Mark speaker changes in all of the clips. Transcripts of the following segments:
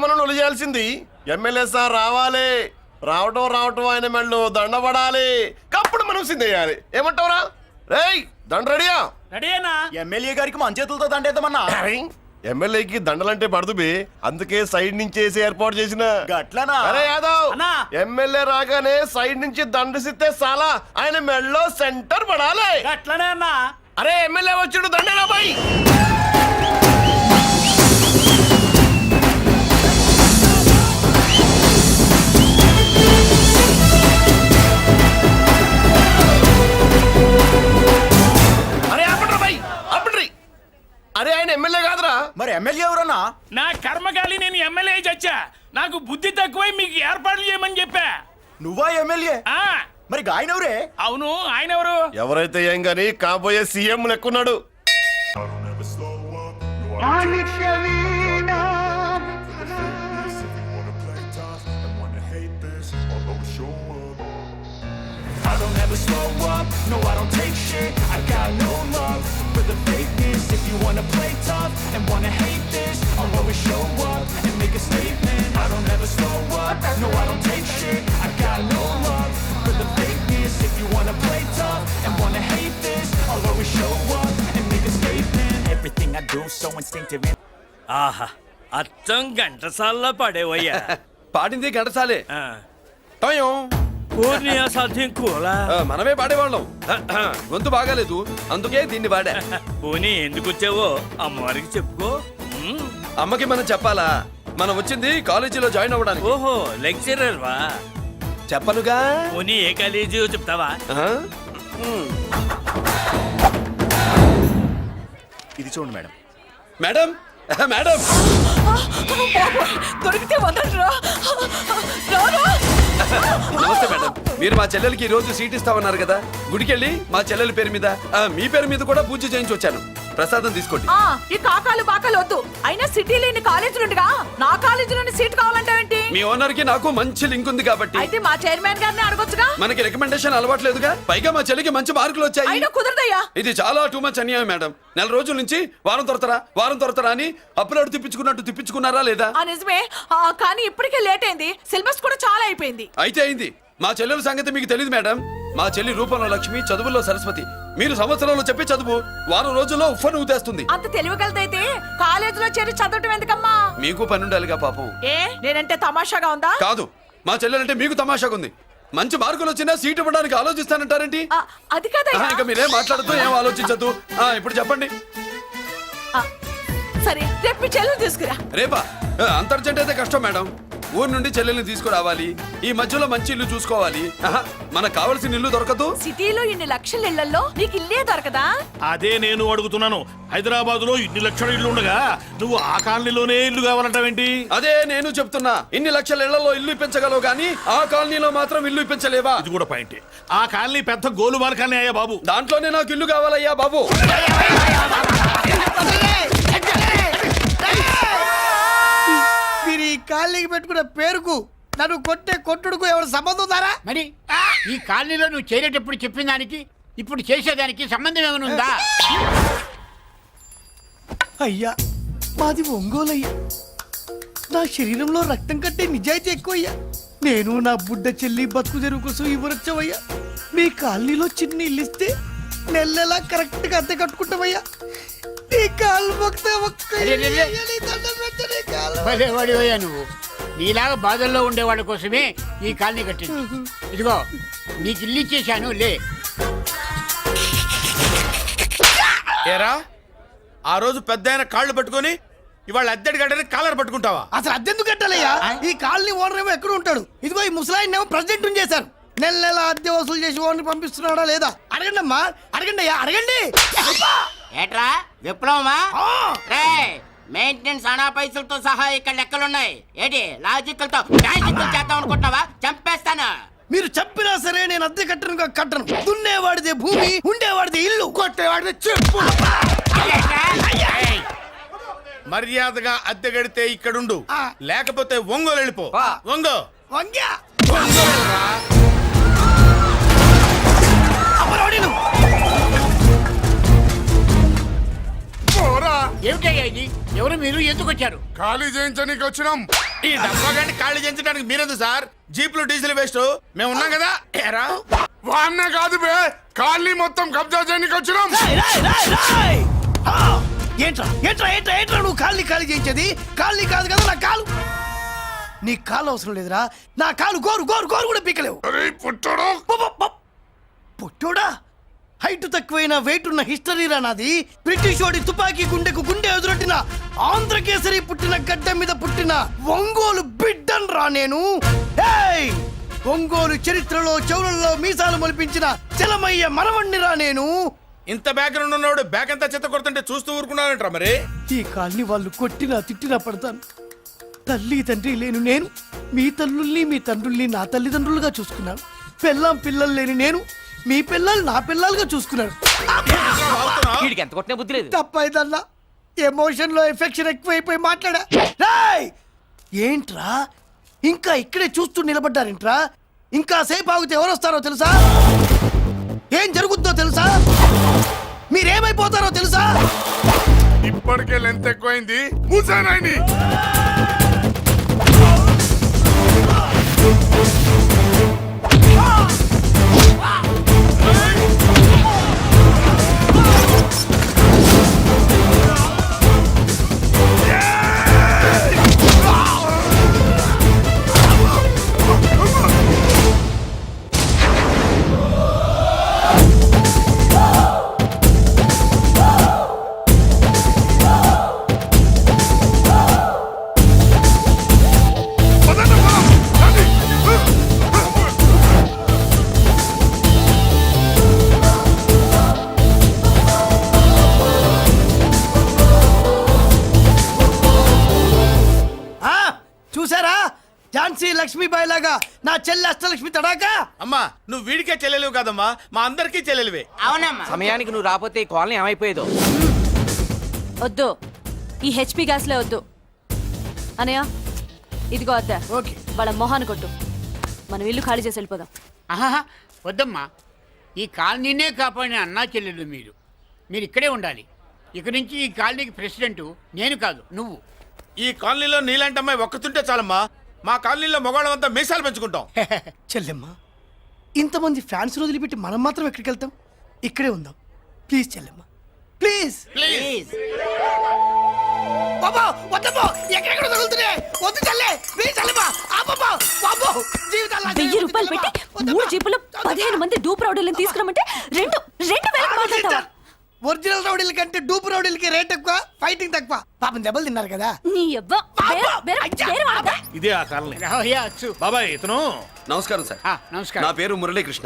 Speaker 1: మనం ఒలి చేయాల్సింది MLA sir రావాలి, రావటం ఆయన మెళ్ళు దండపడాలి, కప్పుడు మనం సిద్ధేయాలి. ఏమంటావురా? రేయ్ దండ రెడీయా?
Speaker 2: రెడీనా?
Speaker 3: ఎమ్మెల్యే గారికి మన చేతులతో దండేద్దామన్నా.
Speaker 1: ఎమ్మెల్యేకి దండలంటే పడుతుంది, అందుకే సైడ్ నుంచి వేసి ఏర్పాటు చేసిన.
Speaker 3: గట్లనా?
Speaker 1: అరే యాదవ్,
Speaker 2: అన్నా.
Speaker 1: ఎమ్మెల్యే రాగానే సైడ్ నుంచి దండసిస్తే చాలా ఆయన మెళ్ళో సెంటర్ పడాలి.
Speaker 2: అట్లనే అన్నా.
Speaker 1: అరే ఎమ్మెల్యే వచ్చాడు, దండేనా బాయ్. అరే ఆపండ్రా బాయ్, ఆపండ్రి. అరే ఆయన ఎమ్మెల్యే కాదురా.
Speaker 3: మరి ఎమ్మెల్యే ఎవరన్నా?
Speaker 2: నా కర్మకాలి నేను ఎమ్మెల్యే చచ్చా. నాకు బుద్ధి తక్కువై మీకు ఏర్పాట్లు చేయమని చెప్పా.
Speaker 3: నువ్వా ఎమ్మెల్యే?
Speaker 2: ఆ
Speaker 3: మరి ఆయన ఎవరే?
Speaker 2: అవును, ఆయన ఎవరు?
Speaker 1: ఎవరైతే ఏం గాని కాబోయే సీఎం లెక్కున్నాడు.
Speaker 4: I don't ever slow up, no I don't take shit. I got no love for the fakeness. If you wanna play tough and wanna hate this, I'll always show up and make a statement. I don't ever slow up, no I don't take shit. I got no love for the fakeness. If you wanna play tough and wanna hate this, I'll always show up and make a statement. Everything I do so instinctive.
Speaker 2: ఆహా, అచ్చం గంటసాల్లో పడేవయ్యా.
Speaker 5: పాడింది గంటసాలే.
Speaker 2: పూర్ణియా సాధ్యం కూలా.
Speaker 5: మనమే పాడేవాళ్ళం. గొంతు బాగాలేదు, అందుకే దీన్ని పాడా.
Speaker 2: పోనీ ఎందుకు వచ్చావో అమ్మవారికి చెప్పుకో.
Speaker 5: అమ్మకి మనం చెప్పాలా? మనం వచ్చింది కాలేజీలో జాయిన్ అవ్వడానికి.
Speaker 2: ఓహో, లెక్చరర్ వా?
Speaker 5: చెప్పనుగా.
Speaker 2: పోనీ ఏ కాలేజీ చెప్తావా?
Speaker 3: ఇది చూడండి మేడం.
Speaker 5: మేడం మేడం
Speaker 6: దొరికితే వదలరా.
Speaker 5: నమస్తే మేడం. మీరు మా చెల్లెలకి ఈ రోజు సీట్ ఇస్తామన్నారు కదా, గుడికెళ్ళి మా చెల్లెల పేరు మీద మీ పేరు మీద కూడా పూజ చేయించి వచ్చాను. ప్రసాదం తీసుకోండి.
Speaker 6: ఈ కాకాలు బాకాలు వద్దు. అయినా సిటీలో ఇన్ని కాలేజీలు ఉండగా నా కాలేజీలోని సీట్ కావాలంటావేంటి?
Speaker 5: మీ ఓనర్ కి నాకు మంచి లింక్ ఉంది కాబట్టి.
Speaker 6: అయితే మా చైర్మన్ గారిని అడగొచ్చుగా.
Speaker 5: మనకి రికమెండేషన్ అలవాట్లేదుగా, పైగా మా చెల్లికి మంచి మార్కులు వచ్చాయి.
Speaker 6: అయినా కుదరదయ్యా.
Speaker 5: ఇది చాలా టూ మచ్ అన్యాయం మేడం. నెల రోజుల నుంచి వారం తొరతరా అని అప్లోడ్ తిప్పించుకున్నట్టు తిప్పించుకున్నారా లేదా?
Speaker 6: నిజమే, కానీ ఇప్పటికే లేట్ అయింది. సిలబస్ కూడా చాలా అయిపోయింది.
Speaker 5: అయితే అయింది. మా చెల్లెల సంగతి మీకు తెలియదు మేడం. మా చెల్లి రూపంలో లక్ష్మి, చదువుల్లో సరస్వతి. మీరు సంవత్సరంలో చెప్పి చదువు వారం రోజుల్లో ఉఫ్ఫను ఊతేస్తుంది.
Speaker 6: అంత తెలివిగలదైతే కాలేజీలో చేరి చదవటం ఎందుకమ్మా?
Speaker 5: మీకు పని ఉండాలిగా పాపం.
Speaker 6: ఏ నేనంటే తమాషాగా ఉందా?
Speaker 5: కాదు, మా చెల్లెలంటే మీకు తమాషాగా ఉంది. మంచి మార్కులు వచ్చినా సీట్ ఇవ్వడానికి ఆలోచిస్తానంటారేంటి?
Speaker 6: అది కాదయ్యా.
Speaker 5: ఇంకా మీరేం మాట్లాడుతూ ఏం ఆలోచించద్దు. ఇప్పుడు చెప్పండి.
Speaker 6: సరే, రేపు మీ చెల్లెలు తీసుకురా.
Speaker 5: రేపా? అంత అర్జెంట్ అయితే కష్టం మేడం. ఊరు నుండి చెల్లెల్ని తీసుకురావాలి, ఈ మధ్యలో మంచి ఇల్లు చూసుకోవాలి. మనకు కావాల్సిన ఇల్లు దొరకదు.
Speaker 6: సిటీలో ఇన్ని లక్షల ఇళ్లలో నీకు ఇల్లే దొరకదా?
Speaker 7: అదే నేను అడుగుతున్నాను. హైదరాబాద్ లో ఇన్ని లక్షల ఇల్లు ఉండగా నువ్వు ఆ కాలనీలోనే ఇల్లు కావాలంటావేంటి?
Speaker 5: అదే నేను చెప్తున్నా. ఇన్ని లక్షల ఇళ్లలో ఇల్లు ఇప్పించగలవు గానీ ఆ కాలనీలో మాత్రం ఇల్లు ఇప్పించలేవా?
Speaker 7: ఇది కూడా పాయింట్. ఆ కాలనీ పెద్ద గోలుమాల కాలనీ అయ్యా బాబు.
Speaker 5: దాంట్లోనే నాకు ఇల్లు కావాలయ్యా బాబు.
Speaker 8: మీరు ఈ కాలనీకి పెట్టుకున్న పేరుకు నన్ను కొట్టే కొట్టుడుకు ఎవరు సంబంధం ఉందారా?
Speaker 9: మరి ఈ కాలనీలో నువ్వు చేరేటప్పుడు చెప్పిన దానికి ఇప్పుడు చేసేదానికి సంబంధం ఏమైనా ఉందా?
Speaker 8: అయ్యా, మాది ఒంగోలయ్యా. నా శరీరంలో రక్తం కట్టే నిజాయితీ ఎక్కువయ్యా. నేను నా బుడ్డ చెల్లి బతుకు తెరువు కోసం ఇవ్వరొచ్చావయ్యా. మీ కాలనీలో చిన్న ఇల్లు ఇస్తే నెలలా కరెక్ట్ గా అద్దె కట్టుకుంటామయ్యా. నీ కాలు
Speaker 9: భలేవాడివయ్యా నువ్వు. నీలాగా బాధల్లో ఉండేవాళ్ళ కోసమే ఈ కాలనీ కట్టింది. ఇదిగో నీకు ఇల్లు ఇచ్చేశాను, లే.
Speaker 7: ఏరా, ఆ రోజు పెద్ద ఆయన కాళ్ళు పట్టుకొని ఇవాళ అద్దెడి గడ్డని కాలర్ పట్టుకుంటావా?
Speaker 8: అసలు అద్దెందుకు కట్టాలయ్యా? ఈ కాలనీ ఓనర్ ఏమో ఎక్కడ ఉంటాడు? ఇదిగో ఈ ముసలాయిన్ ఏమో ప్రెసిడెంట్ చేశారు. నెల నెల అద్దె వసూలు చేసి ఓనర్ పంపిస్తున్నాడా లేదా అడగండి అమ్మా. అడగండి అయ్యా, అడగండి.
Speaker 10: ఏట్రా విప్లవమా? మెయింటెనెన్స్ అనా పైసలతో సహా ఇక్కడ లెక్కలున్నాయి. ఏంటి లాజికల్ తో మ్యాజికల్ చేద్దాం అనుకుంటున్నావా? చంపేస్తాను.
Speaker 8: మీరు చెప్పినా సరే నేను అద్దె కట్టను. దున్నేవాడిదే భూమి, ఉండేవాడిదే ఇల్లు, కొట్టేవాడిదే చెప్పు.
Speaker 7: మర్యాదగా అద్దె గడితే ఇక్కడుండు, లేకపోతే ఒంగోలు వెళ్ళిపో. ఒంగో
Speaker 8: వంగ్యా
Speaker 9: ఏమిటయ్యా ఇది? ఎవరు మీరు? ఎందుకు వచ్చారు?
Speaker 7: ఖాళీ చేయించడానికి వచ్చినాం. ఈ డబ్బా గంట ఖాళీ చేయించడానికి మీరెందుకు సార్? జీపులు డీజిల్ వేస్ట్, మేము ఉన్నాం కదా. ఏరా వాన్నే కాదు బే, ఖాళీ మొత్తం కబ్జా చేయడానికి వచ్చినాం.
Speaker 8: ఏంట్రా ఏంట్రా ఏంట్రా ఏంట్రా నువ్వు కాళ్ళని ఖాళీ చేయించేది? కాళ్ళని కాదు కదా నా కాలు. నీ కాలు అవసరం లేదురా, నా కాలు గోరు గోరు గోరు కూడా పీకలేవు.
Speaker 7: పుట్టడు
Speaker 8: పుట్టోడా? హైట్ తక్కువైన వెయిట్ ఉన్న హిస్టరీ రా నాది. బ్రిటిష్ వాడి తుపాకీ గుండెకు గుండె ఎదురొట్టిన ఆంధ్రకేసరి పుట్టిన గడ్డ మీద పుట్టిన ఒంగోలు బిడ్డన్ రా నేను. ఏయ్! ఒంగోలు చరిత్రలో చౌరల్లో మీసాలు మొలిపించిన చలమయ్య మనవణ్ణి రా నేను.
Speaker 7: ఇంత బ్యాక్గ్రౌండ్ ఉన్నవాడు బ్యాక్ అంతా చెత్త కొడుతుంటే చూస్తూ ఊరుకున్నారంట. మరి
Speaker 8: ఈ కాల్ని వాళ్ళు కొట్టినా తిట్టినా పడతాను. తల్లి తండ్రి లేను నేను మీ తల్లుల్ని మీ తండ్రుల్ని నా తల్లిదండ్రులుగా చూసుకున్నాను. పెళ్ళాం పిల్లలు లేని నేను మీ పిల్లలు నా పిల్లలుగా చూసుకున్నాను.
Speaker 10: ఎంత కొట్టినా బుద్ధి లేదు.
Speaker 8: తప్పైదల్లా ఎమోషన్ లో ఎఫెక్షన్ ఎక్కువైపోయి మాట్లాడా. రేయ్! ఏంట్రా ఇంకా ఇక్కడే చూస్తూ నిలబడ్డారేంట్రా? ఇంకా సేపు ఆగితే ఎవరు వస్తారో తెలుసా? ఏం జరుగుద్దో తెలుసా? మీరేమైపోతారో తెలుసా?
Speaker 7: ఇప్పటికే లెంత్ ఎక్కువైంది. మూసానాయని
Speaker 8: చూసారా? ఝాన్సీ లక్ష్మీబాయి లాగా నా చెల్లి అష్టలక్ష్మి తడాకా.
Speaker 7: అమ్మా నువ్వు వీడికే చెల్లెలివి కాదమ్మా, మా అందరికీ చెల్లెలివే.
Speaker 10: అవునమ్మా.
Speaker 11: సమయానికి నువ్వు రాకపోతే ఈ కాలనీ ఏమైపోయేదో.
Speaker 6: వద్దు, ఈ హెచ్పి గ్యాస్లే వద్దు. అనయ్య ఇదిగో అద్దా.
Speaker 8: ఓకే.
Speaker 6: వాళ్ళ మొహాన్ని కొట్టు. మనం ఇల్లు ఖాళీ చేసి వెళ్ళిపోదాం.
Speaker 9: ఆహా, వద్దమ్మా. ఈ కాలనీనే కాపాడిన అన్నా చెల్లెలు మీరు. మీరు ఇక్కడే ఉండాలి. ఇక నుంచి ఈ కాలనీకి ప్రెసిడెంట్ నేను కాదు, నువ్వు.
Speaker 7: ఈ కాలనీలో నీలాంటి అమ్మాయి ఒక్కతుంటే చాలమ్మా. మా కాలనీలో మగవాళ్ళంతా మీసాలు పెంచుకుంటాం.
Speaker 8: చెల్లెమ్మ, ఇంతమంది ఫ్యాన్స్ వదిలిపెట్టి మనం మాత్రం ఎక్కడికి వెళ్తాం? ఇక్కడే ఉందాం ప్లీజ్ చెల్లెమ్మ, ప్లీజ్.
Speaker 10: ప్లీజ్.
Speaker 8: బాబా వద్దమ్మా, ఎక్కడెక్కడ తగులుతున్నాయి. వద్దు చెల్లె, ప్లీజ్ చెల్లెమ్మ. ఆపమ్మా, బాబో, జీవితాలు
Speaker 6: 1000 రూపాయలు పెట్టి 3 జీపులు 15 మంది డూప్ రౌడీలను తీసుకురమ్మంటే 2,000 మాట్లాడతావా?
Speaker 8: ఒరిజినల్ రౌడీల కంటే డూప్ రౌడీలకి రేట్ ఎక్కువ, ఫైటింగ్ తక్కువ. పాపం దెబ్బలు తిన్నారు కదా.
Speaker 6: నీ యవ్వ వేరే వాడతా.
Speaker 7: ఇదే ఆ కాలనీ.
Speaker 9: రావయ్యా, అచ్చు.
Speaker 7: బాబాయ్ ఇతను.
Speaker 5: నమస్కారం సార్.
Speaker 9: నమస్కారం.
Speaker 5: నా పేరు మురళీకృష్ణ.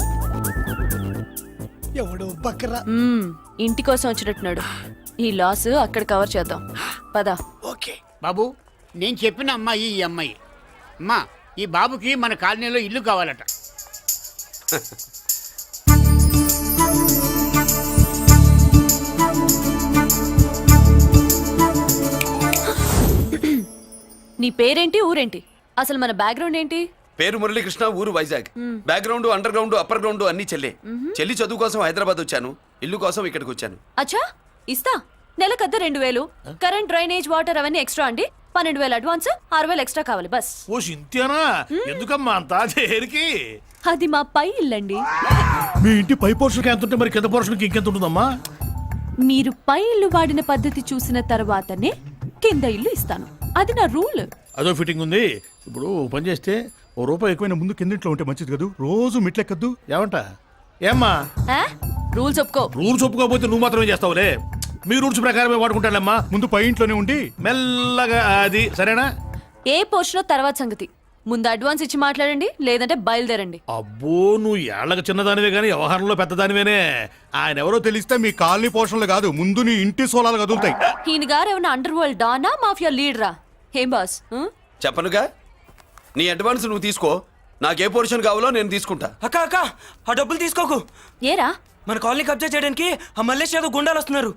Speaker 8: ఎవడు బక్కరా.
Speaker 6: ఇంటి కోసం వచ్చినట్టున్నాడు. ఈ లాస్ అక్కడ కవర్ చేద్దాం పద.
Speaker 8: ఓకే
Speaker 9: బాబు, నేను చెప్పిన అమ్మాయి ఈ అమ్మాయి. అమ్మా, ఈ బాబుకి మన కాలనీలో ఇల్లు కావాలట.
Speaker 6: నీ పేరేంటి, ఊరేంటి, అసలు మన బ్యాక్గ్రౌండ్ ఏంటి?
Speaker 5: పేరు మురళీకృష్ణ, ఊరు Vizag. Background under ground upper ground అన్ని చెల్లె. చెల్లి చదువు కోసం హైదరాబాద్ వచ్చాను, ఇల్లు కోసం ఇక్కడికి వచ్చాను.
Speaker 6: అచ్చా, ఇస్తా. నెలకద్ద 2000, కరెంట్, డ్రైనేజ్, వాటర్ అవన్నీ ఎక్స్ట్రా అండి. 12,000 అడ్వాన్స్, 6,000 ఎక్స్ట్రా కావాలి బస్.
Speaker 2: ఓ సింతేనా? ఎందుకమ్మా అంతా చేరికి?
Speaker 6: అది మా పై ఇల్లండి.
Speaker 2: మీ ఇంటి పై పోర్షన్కి ఎంత ఉంటే మరి కింద పోర్షన్కి ఇంకెంత ఉంటుందమ్మా?
Speaker 6: మీరు పై ఇల్లు వాడిన పద్ధతి చూసిన తర్వాతనే కింద ఇల్లు ఇస్తాను. అది నా రూల్.
Speaker 2: అదో ఫిట్టింగ్ ఉంది. ఇప్పుడు ఓ పని చేస్తే ₹1 ఎక్కువైనా ముందు కిందింట్లో ఉంటే మంచిది కదా, రోజు మిట్లెక్కద్దు. ఏమంటా? ఏమ్మా
Speaker 6: రూల్స్ ఒప్పుకో.
Speaker 2: రూల్స్ ఒప్పుకోకపోతే నువ్వు మాత్రమే చేస్తావులే. మీ రూల్స్ ప్రకారమే వాడుకుంటానమ్మా. ముందు పై ఇంట్లోనే ఉండి మెల్లగా అది, సరేనా?
Speaker 6: ఏ పోర్షన్ తర్వాత సంగతి. ముందు అడ్వాన్స్ ఇచ్చి మాట్లాడండి, లేదంటే బయలుదేరండి.
Speaker 2: అబ్బో, నువ్వు ఏళ్ళకి చిన్నదానివే కానీ వ్యవహారంలో పెద్దదానివేనే. ఆయన ఎవరో తెలిస్తే మీ కాలనీ పోషణలు కాదు, ముందు నీ ఇంటి సోలాలు కదులుతాయి.
Speaker 6: ఈయన గారు ఏమన్నా అండర్ వరల్డ్ డానా, మాఫియా లీడరా? ఏం బాస్?
Speaker 5: చెప్పనుగా, నీ అడ్వాన్స్ నువ్వు తీసుకో. నాకే పోర్షన్ కావాలో నేను తీసుకుంటా.
Speaker 11: అక్క అక్క, ఆ డబ్బులు తీసుకోకు.
Speaker 6: ఏరా?
Speaker 11: మన కాలనీ కబ్జా చేయడానికి ఆ మల్లేష్ యాదవ్ గుండాలు వస్తున్నారు.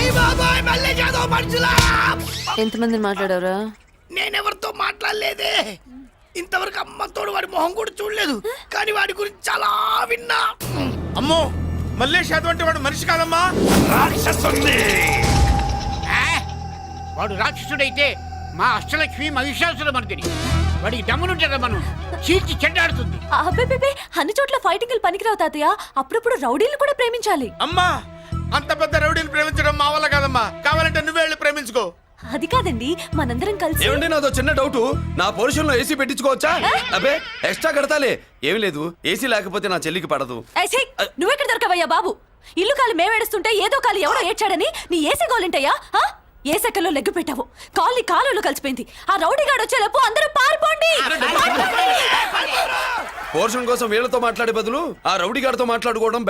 Speaker 6: ఎంతమందిని మాట్లాడారా?
Speaker 8: నేనెవరితో మాట్లాడలేదే. ఇంతవరకు అమ్మతోడు వాడి మొహం కూడా చూడలేదు, కానీ వాడి గురించి చాలా విన్నా.
Speaker 7: అమ్మో, మల్లేష్ యాదవ్ అంటే వాడు మనిషి కాదమ్మా, రాక్షసుని.
Speaker 9: వాడు రాక్షసుడైతే మా అష్టలక్ష్మి మహిషాసుల మర్దిని. వాడికి దమ్మునుంటారా మనం చీల్చి చెడ్డాడుతుంది.
Speaker 6: అబ్బే అన్ని చోట్ల ఫైటింగ్ పనికిరావు తాతయ్య. అప్పుడప్పుడు రౌడీలు కూడా ప్రేమించాలి.
Speaker 7: అమ్మా అంత పెద్ద రౌడీని ప్రేమించడం మా వల్ల కాదమ్మా. కావాలంటే నువ్వే వెళ్ళి ప్రేమించుకో.
Speaker 6: అది కాదండి, మనందరం కలిసి.
Speaker 5: ఏమండి నాదో చిన్న డౌట్, నా పోర్షన్ లో ఏసీ పెట్టించుకోవచ్చా? అబ్బే ఎక్స్ట్రా కడతాలే. ఏమి లేదు, ఏసీ లేకపోతే నా చెల్లికి పడదు.
Speaker 6: ఏయ్, ఛీ! నువ్వెక్కడ దొరకవయ్యా బాబు? ఇల్లు కాలు మేమేడుస్తుంటే ఏదో కాలు ఎవరో ఏడ్చాడని నీ ఏసీ గోలింటయ్యా? ఏ సెకల్లో లెగ్గు పెట్టావు, కాలి కాలులో కలిసిపోయింది. ఆ రౌడీ గాడు వచ్చేలోపు అందరూ పారిపోండి.
Speaker 5: పోర్షన్ కోసం వీళ్ళతో మాట్లాడే బదులు ఆ రౌడీ గారితో మాట్లాడుకోవడం